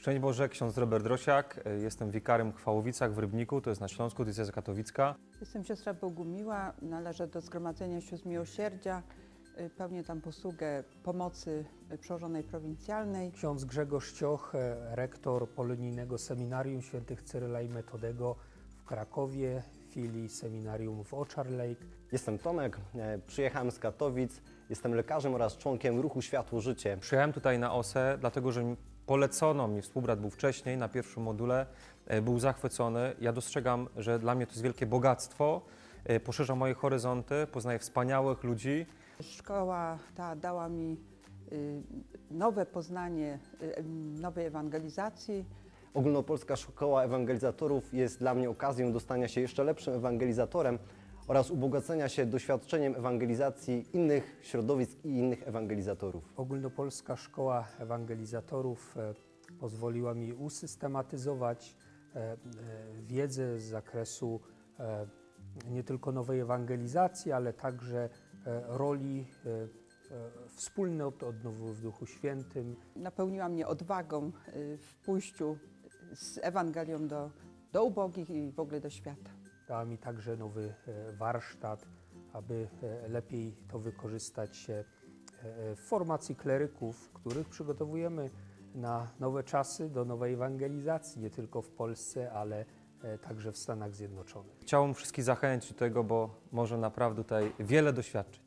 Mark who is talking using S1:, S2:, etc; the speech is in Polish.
S1: Szczęść Boże, ksiądz Robert Drosiak. Jestem wikarym w Chwałowicach w Rybniku, to jest na Śląsku, diecezja katowicka.
S2: Jestem siostra Bogumiła, należę do Zgromadzenia Sióstr Miłosierdzia. Pełnię tam posługę pomocy przełożonej prowincjalnej.
S3: Ksiądz Grzegorz Cioch, rektor Polonijnego Seminarium Świętych Cyryla i Metodego w Krakowie, filii seminarium w Oczar Lake.
S4: Jestem Tomek, przyjechałem z Katowic, jestem lekarzem oraz członkiem ruchu Światło Życie.
S1: Przyjechałem tutaj na OSE, dlatego że polecono mi, współbrat był wcześniej na pierwszym module, był zachwycony. Ja dostrzegam, że dla mnie to jest wielkie bogactwo, poszerza moje horyzonty, poznaję wspaniałych ludzi.
S2: Szkoła ta dała mi nowe poznanie nowej ewangelizacji.
S4: Ogólnopolska Szkoła Ewangelizatorów jest dla mnie okazją do stania się jeszcze lepszym ewangelizatorem oraz ubogacenia się doświadczeniem ewangelizacji innych środowisk i innych ewangelizatorów.
S3: Ogólnopolska Szkoła Ewangelizatorów pozwoliła mi usystematyzować wiedzę z zakresu nie tylko nowej ewangelizacji, ale także roli wspólnot odnowy w Duchu Świętym.
S2: Napełniła mnie odwagą w pójściu z Ewangelią do ubogich i w ogóle do świata.
S3: Dała mi także nowy warsztat, aby lepiej to wykorzystać w formacji kleryków, których przygotowujemy na nowe czasy, do nowej ewangelizacji, nie tylko w Polsce, ale także w Stanach Zjednoczonych.
S1: Chciałbym wszystkich zachęcić do tego, bo może naprawdę tutaj wiele doświadczyć.